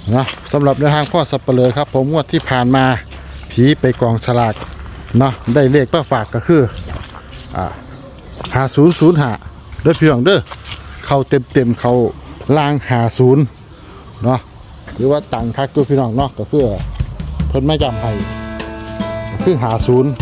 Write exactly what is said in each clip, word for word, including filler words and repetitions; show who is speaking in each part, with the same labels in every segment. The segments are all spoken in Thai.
Speaker 1: นะสำหรับในทางพ่อสับเปลือครับผมงวดที่ผ่านมาผีไปกองฉลากเนาะได้เลขมาฝากก็คืออ่าหาศูนย์ศูนย์หาเด้อพี่น้องเด้อเข้าเต็มเต็มเข้าล่างหาศูนย์เนาะหรือว่าตังคักตัวพี่น้องเนาะก็คือเพิ่นไม่จำให้ก็คือหาศูนย์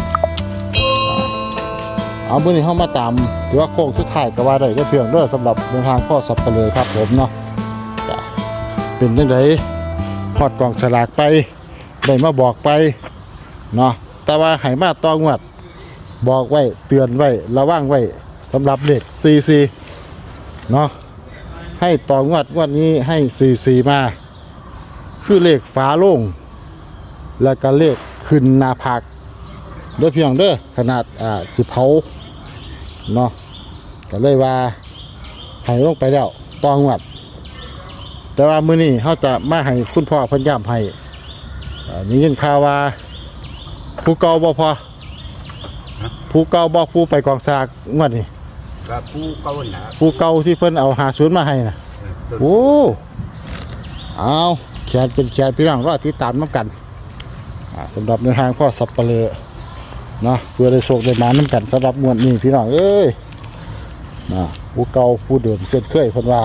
Speaker 1: เอาเมื่อนี้เข้ามาตามถือว่าโค้งสุดท้ายก็ว่าได้ก็เพียงเด้อสำหรับในทางพ่อสับเปลือครับผมเนาะเป็นยังไงฮอดกองสลากไปได้มาบอกไปเนาะแต่ว่าให้มาต้องงวดบอกไว้เตือนไว้ระวังไว้สำหรับเด็กซีซีเนาะให้ต่องวดงวดนี้ให้ซีซีมาคือเลขฝาโล่งแล้วก็เลขขึ้นหน้าผากเด้อพี่น้องเด้อขนาดอ่าสิเผาเนาะก็เลยว่าให้ลงไปแล้วต่องวดแต่ว่ามื้อนี้เฮาจะมาให้คุณพ่อเพิ่นย้ำให้นี่ยินข่าวว่าผู้เก่าบ่พอผู้เก่าบ่ผู้ไปกองสลากงวดนี้
Speaker 2: ก็ผู้เก่าน่ะ
Speaker 1: ผู้เก่าที่เพิ่นเอาหาศูนย์มาให้น่ะโอ้เอาแขนเป็นแขนพี่น้องรอติดตามนำกันอ่าสำหรับในทางพ่อสับเปลือเนาะเพื่อได้โชคได้มานํกันสำหรับงวดนี้พี่น้องเอ้ยนะผู้เก่าผู้เดิมเส้นเคยเพิ่นว่า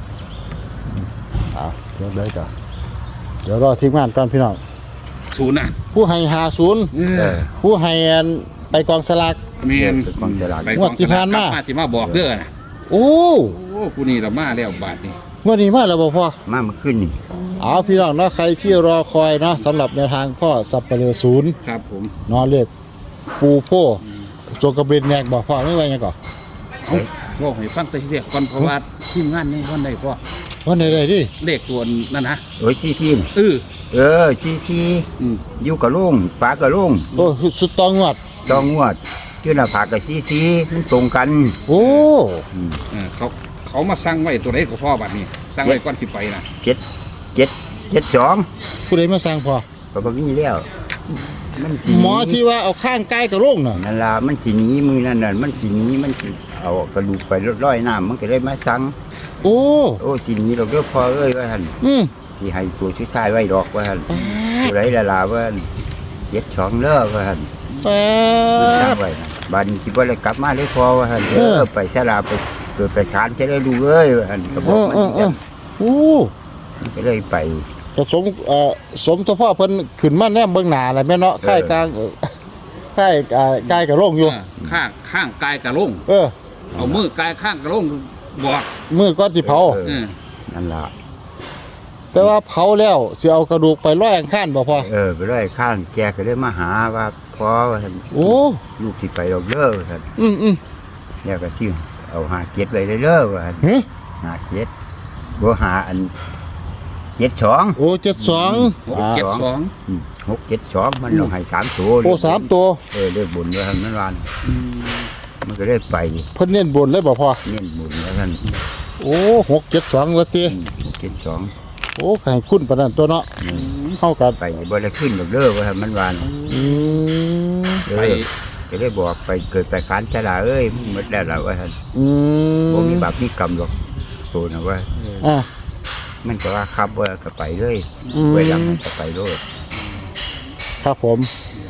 Speaker 1: อ่าเดี๋ยวได้จ้ะเดี๋ยวรอทีมงานก่อนพี่น้อง
Speaker 3: ศูนย์อ่ะ
Speaker 1: ผู้ให้หาศูนย์
Speaker 3: เออ
Speaker 1: ผู้ให้ไปกองสลาก
Speaker 3: เมียน
Speaker 2: เป็นกองฉลาก
Speaker 3: ไป
Speaker 1: งวดที่ผ่านมา
Speaker 3: ที่มาบอกเด้อนะ
Speaker 1: โอ้
Speaker 3: โอ้ผู้นี้เรามาแล้วบาทนี่
Speaker 1: งวดนี้มาแล้วบ่พ่อ
Speaker 2: มาเมื่อคืนนี่
Speaker 1: เอาพี่น้องเนาะใครที่รอคอยเนาะสำหรับในวทางพ่อสับเปลือศูนย์
Speaker 3: ครับผม
Speaker 1: เนาะเรียกปูโพโจกระเบนแนกบอกพ่อไม่ไหวไงก่อน
Speaker 3: เอาบอกให้ฟังแต่ทีเดียวก่อนเพราะว่าทีมงานนี่วันใดพ่อ
Speaker 1: วันไหนได้ดิ
Speaker 3: เลขตัวนั่นนะ
Speaker 2: โอ้ยชี้ชี้
Speaker 3: เออ
Speaker 2: เออชี้ชี้
Speaker 3: อืม
Speaker 2: อยู่กับลุงปากกับลุง
Speaker 1: โอ้สุดตองงวด
Speaker 2: จองงวดชื่อหน้าผากกับชี้ชี้มันตรงกัน
Speaker 1: โอ้
Speaker 2: อืม
Speaker 3: เออเขาเขามาสั่งไว้ตัวไหนกับพ่อบัดนี้สั่งไว้ก่อนสิไปนะ
Speaker 2: เจ็ดเจ็ดเจ็ดสอง
Speaker 1: ผู้ใดมาสั่งพ่อ
Speaker 2: ก็บ่มีแล้วมันสิ
Speaker 1: หมอที่ว่าเอาข้างใกล้กับโรงน่ะ
Speaker 2: นั่นล่ะมันสิหนีมือนั่นน่ะมันสิหนีมันสิเอากระดูกไปร้อยน้ำมันก็เลยมาสั่ง
Speaker 1: โอ้
Speaker 2: โอ้สิหนีเราเด้อพอเอ้ยว่าหั่น
Speaker 1: อืม
Speaker 2: สิให้ตัวชุดชายไว้ดอกว่าหั่น
Speaker 1: ป๊า
Speaker 2: ผู้ใดละลาว่าเจ็ดสองเด้อว่าหั่น
Speaker 1: ดป๊
Speaker 2: ตั้
Speaker 1: าง ด
Speaker 2: ไว้นะบัดนสิบ่ได้กลับมาเลยพอว่าหั่น
Speaker 1: เอ
Speaker 2: เอ
Speaker 1: อ
Speaker 2: อไปสลาไปเกิดไปศาลจะได้ดูเอ้ยว่าหั่นก็บ
Speaker 1: เอ
Speaker 2: อก
Speaker 1: อ
Speaker 2: มัน
Speaker 1: เออเออโอ้
Speaker 2: ก็เลยไป
Speaker 1: ก็สมเอ่อสมทพ่อเพิ่นขึ้นมาแนมเบิ่งหน้าอะไรแม่เนาะค่ายกลางเออค่ายอ่ากายกับโรงอยู่
Speaker 3: เออข้างข้างกายกระลง
Speaker 1: เออ
Speaker 3: เอามือกายข้างกระลงบอก
Speaker 1: มือก้อนสิเผา
Speaker 2: เออ
Speaker 3: เออ
Speaker 2: นั่นล่ะ
Speaker 1: แต่ว่าเผาแล้วสิเอากระดูกไปลอยอังคารบ่พอ
Speaker 2: เออไปเลยข้างแกก็เลยมาหาว่าพอว่าหั่น
Speaker 1: โอ้
Speaker 2: ลูกสิไปดอกเด้อว่าหั่น
Speaker 1: อืมอืม
Speaker 2: แล้วก็ชื่อเอาหาเจ็ดไว้เลยเด้อว่าหั่น
Speaker 1: เฮ้ย
Speaker 2: หาเจ็ดบ่หาอันเจ็ดสอง
Speaker 1: โอ้เจ็ดสอง
Speaker 3: หก
Speaker 1: อ่า
Speaker 3: เจ็ดสอง
Speaker 2: อืมหกเจ็ดสองมันลงให้สามตัว
Speaker 1: โอ้สามตัว
Speaker 2: เออเลขบุญว่าหั่นมันวานมันก็ได้ไป
Speaker 1: เพิ่นเน้นบนเลยบ่พอ
Speaker 2: เน้นบุญว่าหั่น
Speaker 1: โอ้หกเจ็ดสองละตี
Speaker 2: อืมหกเจ็ดสอง
Speaker 1: โอ้ไข่คุณปานนั้นตัวเนาะเข้ากัน
Speaker 2: ไปบ่ได้ขึ้นดอกเด้อว่าหั่นมันวาน
Speaker 1: อืม
Speaker 2: เอ
Speaker 3: ไป
Speaker 2: อก็ได้บอกไปเกิดไปขานชะลาเอ้ยมึงหมดแล้วล่ะว่าหั่น
Speaker 1: อืม
Speaker 2: บ่มีบาปมีกรรมหรอกโตนะว่า
Speaker 1: อ่ะ
Speaker 2: มันก็ว่าครับว่าก็ไปเลย
Speaker 1: อืม
Speaker 2: ไว้หลังมันก็ไปโลด
Speaker 1: ครับผม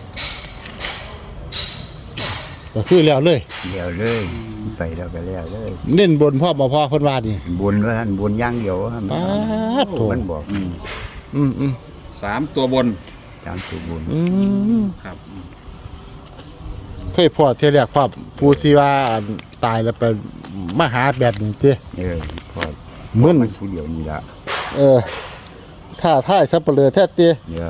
Speaker 1: ก็คือแล้วเลย
Speaker 2: เดียวเลยไปแล้วก็แล้วเลย
Speaker 1: เน้นบนพ่อบ่พอเพิ่นว่านี่
Speaker 2: บุญว่าหั่นบุญอย่างเดียวว่าหั่น
Speaker 1: ปาดโถ
Speaker 2: มันบอกอืม
Speaker 1: อืมอืม
Speaker 3: สามตัวบน
Speaker 2: ตามตัวบุญ
Speaker 1: อืม
Speaker 3: ครับ
Speaker 1: เคยพ่อเที่ยแรกพ่อผู้ที่ว่าตายแล้วไปมาหาแบบนี้ติ
Speaker 2: เออพอ
Speaker 1: มึน
Speaker 2: มันผู้เดียวนี่ละ
Speaker 1: เออถ้าท่ายสับเปลือแท้ติ
Speaker 2: เนี่ย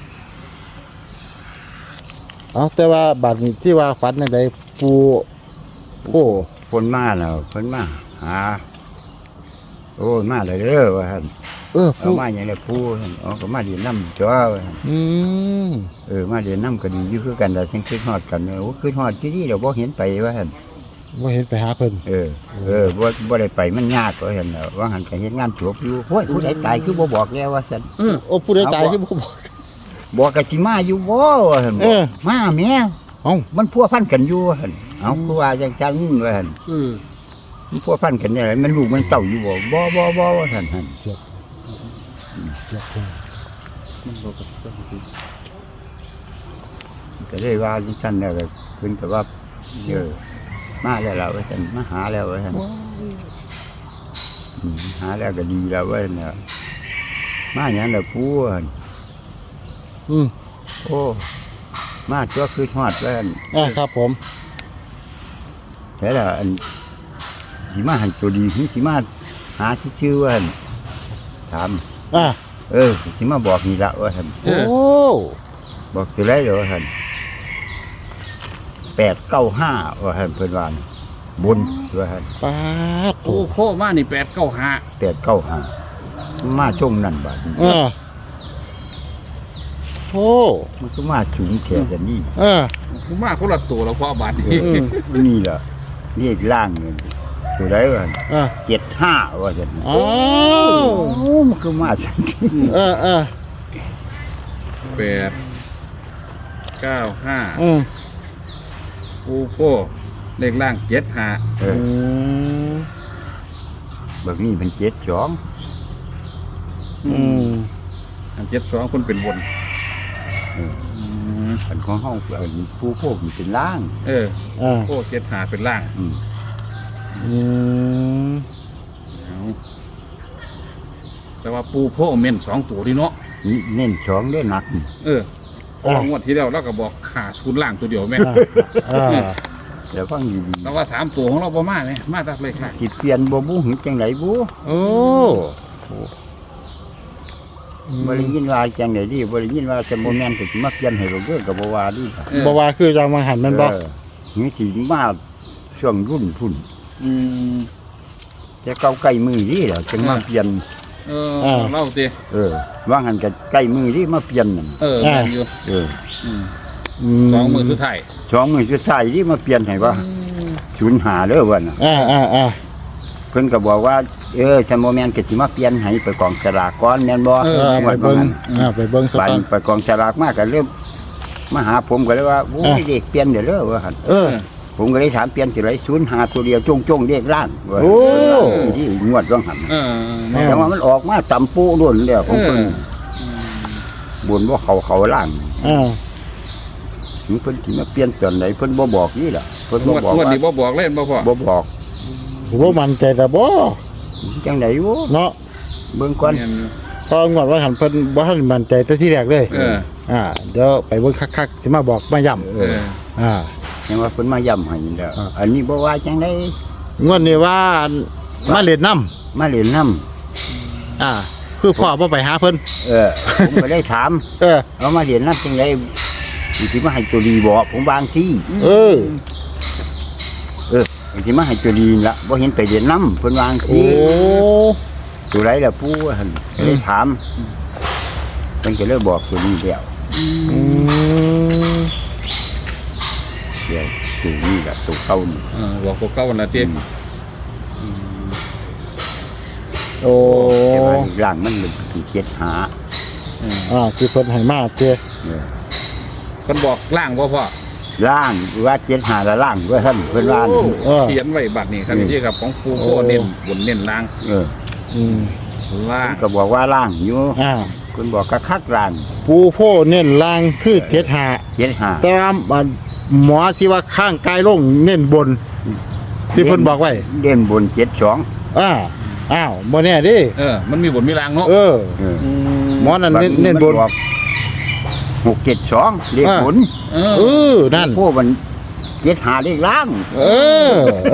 Speaker 1: เอาแต่ว่าบัดนี้ที่ว่าฝันจังไดปูโอ้
Speaker 2: คนมาแล้วคนมาหาโอ้ยมาเลยเด้อว่าหั่น
Speaker 1: เออ
Speaker 2: เอา
Speaker 1: ปู
Speaker 2: มาอย่างไรผู้หั่นเอาก็มาเรียนน้ำจ้าว่าหั่น
Speaker 1: อืม
Speaker 2: เออมาเรียนน้ำก็ดีอยู่คือกันแต่ทั้งคืนฮอดกันโอ้คืนฮอดที่นี่เดี๋ยวบ่เห็นไปว่าหั่น
Speaker 1: ว่าเห็นไปหาเพิ่น
Speaker 2: เออเออบ่บ่ได้ไปมันยากว่าหั่นน่ะว่าหั่นก็เฮ็ดงานจบอยู่โอ้ยผู้ใดตายคือบ่บอกแล้วว่าซั่น
Speaker 3: เออ
Speaker 1: โอ้ผู้ใดตายที่บ่บอก
Speaker 2: บอกกะสิมาอยู่บ่ว่าหั่น
Speaker 1: เออ
Speaker 2: มาแม่
Speaker 1: เอ้า
Speaker 2: มันพัวพันกันอยู่ว่าหั่นเอาคือว่าจังจังว่าหั่น
Speaker 3: เออ
Speaker 2: มันพัวพันกันเนี่ยมันลูกมันเต้าอยู่บ่บ่บ่บ่ว่าซั่นหั่น
Speaker 1: เสียบยกขึ้น
Speaker 3: มันบ่กับต้องสิ
Speaker 2: ก็เลยว่าจังซั่นแล้วก็เพิ่นก็ว่าเออมาแล้วล่ะว่าซั่นมาหาแล้วว่าซั่นอืมหาแล้วก็ดีแล้วว่าซั่นน่ะมาหยังล่ะปู่อั่น
Speaker 1: อืม
Speaker 2: โอ้มาตัวคือฮอดว่าซั่น
Speaker 1: อ่าครับผม
Speaker 2: แต่ละอันสิมาหันตัวดีสิมาหาที่ชื่อว่าหั่นถาม
Speaker 1: อ่า
Speaker 2: เออสิมาบอกนี่ละว่าซั่น
Speaker 1: โอ้
Speaker 2: บอกตัวไรเดี๋ยวว่าซั่นแปดเก้าห้าว่าซั่นเพิ่นว่าน่ะบนว่าซั่น
Speaker 1: ปาด
Speaker 3: โอ้โคมานี่แปดเก้าห้า
Speaker 2: แปดเก้าห้ามาช่วงนั้นบาดนี้
Speaker 1: อ่าโอ้
Speaker 2: มันก็มาสูงแค่กันนี่
Speaker 1: อ่า
Speaker 3: ผมมาคนละตัวแล้วพ่อบาดนี้
Speaker 1: อืม
Speaker 2: นี่ล่ะนี่ล่างนี่ตัวไรว่า
Speaker 1: อ่า
Speaker 2: เจ็ดห้าว่าซั่น
Speaker 1: อ้าว
Speaker 2: โอ้มันก็มาสันที
Speaker 1: เออเออ
Speaker 3: แปดเก้าห้า
Speaker 1: อืม
Speaker 3: โอ้โคเลขล่างเจ็ดห้า
Speaker 2: เอ
Speaker 1: อื
Speaker 2: อ
Speaker 1: ม
Speaker 2: แบบนี้เป็นเจ็ดสอง
Speaker 1: อืม
Speaker 3: อันเจ็ดสองคนเป็นบน
Speaker 2: เออ
Speaker 3: อืม
Speaker 2: อันของห้องเอันผู้พวกมันเป็นล่าง
Speaker 3: เออ
Speaker 1: อ่า
Speaker 3: โอ้เจ็ดห้าเป็นล่าง
Speaker 2: อืม
Speaker 1: อืม
Speaker 3: เอาแต่ว่าปูโพเม่นสองตัวนี่เนาะ
Speaker 2: นี่เน้นสองได้หนักนี่
Speaker 3: เออพองวดที่แล้วเราก็บอกขาศูนย์ล่างตัวเดียวแม่
Speaker 1: อ่าอ่า
Speaker 2: แล้วฟังดี
Speaker 3: แต่ว่าสามตัวของเราประมาณไหมมาจากเลยค่ะ
Speaker 2: ๆสิเปลี่ยนบ่บูหึงจังไหนบู
Speaker 1: โอ้
Speaker 2: บ่ได้ยินว่าจังไหนดิบ่ได้ยินว่าจะบ่แม่นก็สิมาเปลี่ยนให้เราเด้อก็บ่ว่าดิ
Speaker 3: เออ
Speaker 1: บ่ว่าคือจังมาหันแมันบ่
Speaker 2: เออนี่สิมาช่วงรุ่นพุ่น
Speaker 3: อืม
Speaker 2: จะเก่าใกล้มือนี่แหละจังมาเปลี่ยน
Speaker 3: เออเล่าสิ
Speaker 2: เออว่างั้นก็ใกล้มือนี่มาเปลี่ยนนั่น
Speaker 3: เออแม่นอยู่
Speaker 2: เออ
Speaker 3: อืม
Speaker 1: ม
Speaker 3: สองมือสุดท้าย
Speaker 2: สองมือสุดท้ายนี่มาเปลี่ยนให้ว่าศูนย์หาเด้อว่าน่ะ
Speaker 1: อ่าอ่าอ่า
Speaker 2: เพิ่นก็บอกว่าเออซันบ่แม่นก็สิมาเปลี่ยนให้ไปกองสลากก่อนแม่นบ่
Speaker 1: เออไปเบิ่งอ่าไปเบิ่งสัก
Speaker 2: บัด
Speaker 1: ก่อน
Speaker 2: ไปกองสลากมาก็เริ่มมาหาผมก็เลยว่าโอ้ยเด็กเปลี่ยนเด้อเด้อว่าหั่น
Speaker 1: เออ
Speaker 2: ผมก็เลยถามเปลี่ยนสิไรศูนย์หาตัวเดียวจงๆเรียกร้านว่า
Speaker 1: โอ้
Speaker 2: ที่งวดต้องหัน
Speaker 3: เออ
Speaker 2: แต่ว่ามันออกมาตำปูล้วนแล้วผมเพิ่นบนว่าเขาเขาล่าง
Speaker 1: อ่า
Speaker 2: ถึงเพิ่นสิมาเปลี่ยนตอนไหนเพิ่นบ่บอกนี่ล่ะเพิ่น
Speaker 3: ง
Speaker 2: บ่
Speaker 3: วด
Speaker 2: บอก
Speaker 3: งวด
Speaker 2: ว่า
Speaker 3: นี้บ่บอกเล่นบ่พ่อ
Speaker 2: บ่บอก
Speaker 1: บ่มั่นใจแต่บ่
Speaker 2: จังได๋วะ
Speaker 1: เนาะ
Speaker 2: เบิ่งก่อน
Speaker 3: แม่นอยู่
Speaker 1: พองวดว่าหันเพิ่นบ่ทันมั่นใจแต่ที่แรกเลย
Speaker 3: เออ
Speaker 1: อ่าเดี๋ยวไปเบิ่งคักๆสิมาบอกมาย้ำ
Speaker 2: เอ
Speaker 3: เอ
Speaker 2: อ
Speaker 3: อ
Speaker 1: อ่า
Speaker 2: ยังว่าเพิ่นมาย้ำให้นี่แล้ว
Speaker 1: อ่า
Speaker 2: อันนี้บ่ว่าจังได๋
Speaker 1: งวดนี้ว่ามาเล่นน้ำ
Speaker 2: มาเล่นน้ำ
Speaker 1: อ่า คือพ่อบ่ไปหาเพิ่น
Speaker 2: เออ ผมก็ได้ถาม
Speaker 1: เออ
Speaker 2: เอามาเล่นน้ำจังได๋สิมาให้ตัวดีบ่ผมบางที่
Speaker 1: เออ
Speaker 2: เออสิมาให้ตัวดีล่ะบ่เห็นไปเล่นน้ำเพิ่นวาง
Speaker 1: โอ้
Speaker 2: ที่ตัวไรล่ะปู่ว่าหั่นก็เลยถามเพิ่นก็เลยบอกตัวนี้แล้ว
Speaker 1: อืม
Speaker 2: เดี๋ยวตัวนี้ล่ะตัวเก่านี่
Speaker 3: เออบอกตัวเก่าวันละเตี้ย
Speaker 1: โอ้
Speaker 2: แต่ว่าร่างมันเป็นผีเจ็ดหา
Speaker 1: อ่าคือเพิ่นให้มาเจ้
Speaker 2: เออ
Speaker 3: คนบอกล่างบ่พ่อ
Speaker 2: ร่างว่าเจ็ดหาละร่างด้วยท่านเพิ่นว่า
Speaker 3: โอ้
Speaker 2: นี่
Speaker 1: เออ
Speaker 3: เขียนไว้บัดนี้ครับที่กับของปูโพ
Speaker 1: โอ้
Speaker 3: เน้นบนเน้นล่าง
Speaker 2: เออ
Speaker 1: อืม
Speaker 3: ล่าง
Speaker 2: เพิ่นก็บอกว่าร่างอยู่
Speaker 1: อ่า
Speaker 2: เพิ่นบอกกะคักร่าง
Speaker 1: ปูโพเน้นล่างคือเจ็ดหา
Speaker 2: เจ็ดหา
Speaker 1: แต่ว่าอันหมอที่ว่าข้างกายลงเน้นบน ที่เพิ่นบอกไว้
Speaker 2: เด่นบนเจ็ดสอง
Speaker 1: อ่าอ้าวบ่แน่เดิ
Speaker 3: เออ มันมีบนมีล่างเนาะ
Speaker 1: เออ
Speaker 2: เออ
Speaker 1: หมอนั่นเน้นเน้นบน
Speaker 2: มับอกหกเจ็ดสองเลข
Speaker 1: อ่า
Speaker 2: บน
Speaker 3: เออ
Speaker 1: เออนั่น
Speaker 2: พวกมันเจ็ดหาเลขล่าง
Speaker 1: เออ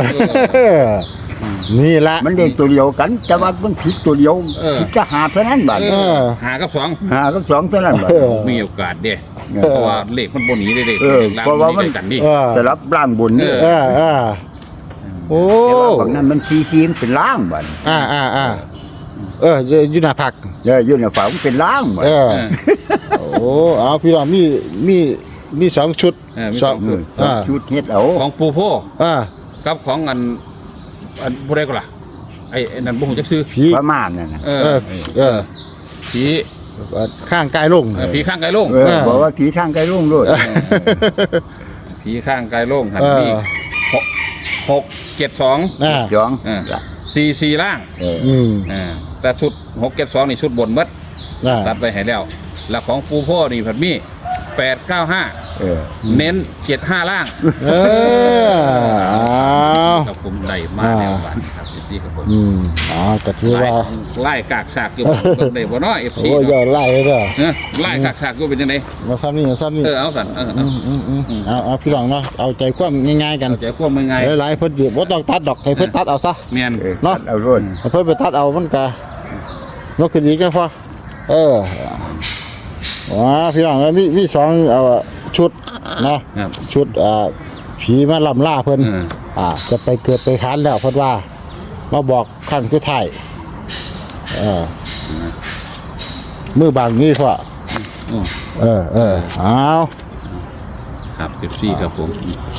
Speaker 1: นี่ละ
Speaker 2: มันเลขตัวเดียวกัน แต่ว่ามันผิดตัวเดียว
Speaker 3: เออ
Speaker 2: ผิดจะหาเท่านั้นบาด
Speaker 3: เออหากับสอง
Speaker 2: หากับสองเท่านั้นบาด
Speaker 1: เออ
Speaker 3: มีโอกาสเด้
Speaker 2: เออ
Speaker 3: เพราะว่าเลขมันบนหนีได้เด้
Speaker 2: เออ
Speaker 3: ล่าง
Speaker 2: เพราะว่ามัน
Speaker 3: หได้กันดิ
Speaker 1: เออ
Speaker 2: สลับล่างบนนี่
Speaker 3: เอ
Speaker 1: เออเออโอ้
Speaker 2: แต่ว่าบางนั้นมันซีซีมันเป็นล่างบาด
Speaker 1: อ่าอ่าอ่าเอออยู่หน้าผัก
Speaker 2: เอออยู่ในฝามันเป็นล่างบาด
Speaker 1: เออ
Speaker 3: เออ
Speaker 1: โอ้เอาพี่น้องมีมีมีสองชุด
Speaker 3: เออมี
Speaker 1: ส
Speaker 3: ส
Speaker 1: อ
Speaker 3: อง ง
Speaker 2: เออ
Speaker 1: อ่า
Speaker 2: ชุดเฮ็ดเอา
Speaker 3: ของปูโพ
Speaker 1: อ่า
Speaker 3: กับของอันอันบ่ได้ก็ล่ะไอ้ไอ้นั่นบ่ฮู้จักซื้อ
Speaker 1: ผี
Speaker 2: ประมาณนั่นน่ะ
Speaker 3: เอ
Speaker 1: เอ
Speaker 3: อ
Speaker 1: อเออ
Speaker 3: ผี
Speaker 1: ข้างกายลง
Speaker 3: เออผีข้างไกลโลง
Speaker 2: เออบอกว่าผีทางไกลลุ่งด้วย
Speaker 3: ผีข้างไกลโลงหัน
Speaker 1: เออ
Speaker 3: มีหกหกเจ็ดสอง
Speaker 1: อ่า
Speaker 2: สอง
Speaker 3: สี่สี่ล่าง
Speaker 2: เออ
Speaker 1: อืม
Speaker 3: อ่าแต่ชุดหกเจ็ดสองนี่ชุดบนหมัด
Speaker 1: อ่า
Speaker 3: ตัดไปให้แล้ว แล้วของปูโพนี่ผัดมีแปดเก้าห้า
Speaker 2: เออ
Speaker 3: เน้นเจ็ดห้าล่าง
Speaker 1: เออเอา
Speaker 3: กับผมได้มาแล้วบ้านครับเอฟซีครับผม
Speaker 1: อืมอ๋อก็ถือ
Speaker 3: ไล่
Speaker 1: ว่า
Speaker 3: ไล่กากฉากอยู่เบิ่งได้บ่เนาะเอฟซี
Speaker 1: โอ้ยยอดไล่เลยเด้อ
Speaker 3: ไล่กากฉากอยู่เป็นจังได
Speaker 1: มาซ้ำนี่มาซ้ำนี่
Speaker 3: เออเอาสันเออ
Speaker 1: อืมอืมอืมเอาเอาพี่น้องเนาะเอาใจความง่ายๆกัน
Speaker 3: เอาใจควบมือไง
Speaker 1: หลายๆเพิ่นสิบ่ต้องตัดดอกให้เพิ่นตัดเอาซะ
Speaker 3: เมียน
Speaker 2: เออ
Speaker 1: เนาะ
Speaker 2: ตัดเอาโรด
Speaker 1: ให้เพิ่นไปตัดเอามันก็ยกขึ้นอีกนะพ่อเออว้าพี่น้องมีมีสองเอาชุดเนาะ
Speaker 3: ครับ
Speaker 1: ชุดอ่าผีมาลำล่าเพิ่น
Speaker 3: เออ
Speaker 1: อ่าจะไปเกิดไปค้านแล้วเพิ่นว่ามาบอกครั้งสุดท้ายเออมือบางนี้พ่อ
Speaker 3: โอ้
Speaker 1: เออเออเอา
Speaker 3: ครับเอฟซีครับผม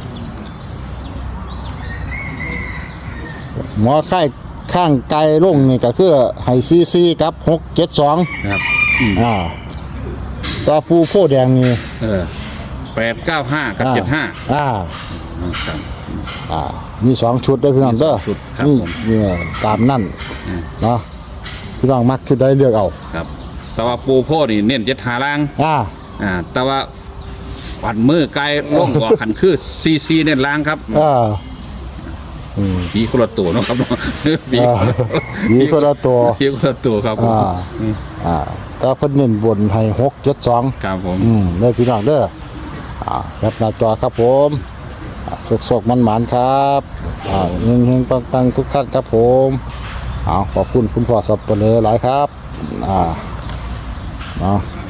Speaker 1: หมอไข้ข้างไกลลงนี่ก็คือไฮซีซีกับหกเจ็ดสอง
Speaker 3: ครับอืม
Speaker 1: อ่าต่อปูโพแดงนี่
Speaker 3: เออแปดเก้าห้ากับเจ็ดห้า
Speaker 1: อ่า
Speaker 3: ครับ
Speaker 1: อ่ามีสองชุดด้วยพี่น้องเด้อ
Speaker 3: มีสองชุดครับ
Speaker 1: นี่
Speaker 3: ผม
Speaker 1: นี่ตามนั่น
Speaker 3: อืม
Speaker 1: เนาะพี่น้องมักชุดใดเลือกเอา
Speaker 3: ครับ แต่ว่าปูโพนี่เน้นเจ็ดหาล่าง
Speaker 1: อ่า
Speaker 3: อ่า แต่ว่าปัดมือไกลล่องกว่าขันคือซีซีเน้นล่างครับ
Speaker 1: เอออืม
Speaker 3: ผีคนละตัวเนาะครับผี
Speaker 1: เออมีคนละตัว
Speaker 3: ผีคนละตัวครับผม
Speaker 1: อ่าอ่าแต่เพิ่นเน้นบนให้หกเจ็ดสอง
Speaker 3: ครับผม
Speaker 1: อืมเด้อพี่น้องเด้ออ่าครับหน้าจอครับผมสกๆมันหมานๆครับอ่าเฮงๆปังๆทุกท่านครับผมเอาขอบคุณคุณพ่อสับเปลือหลายครับอ่าเนาะ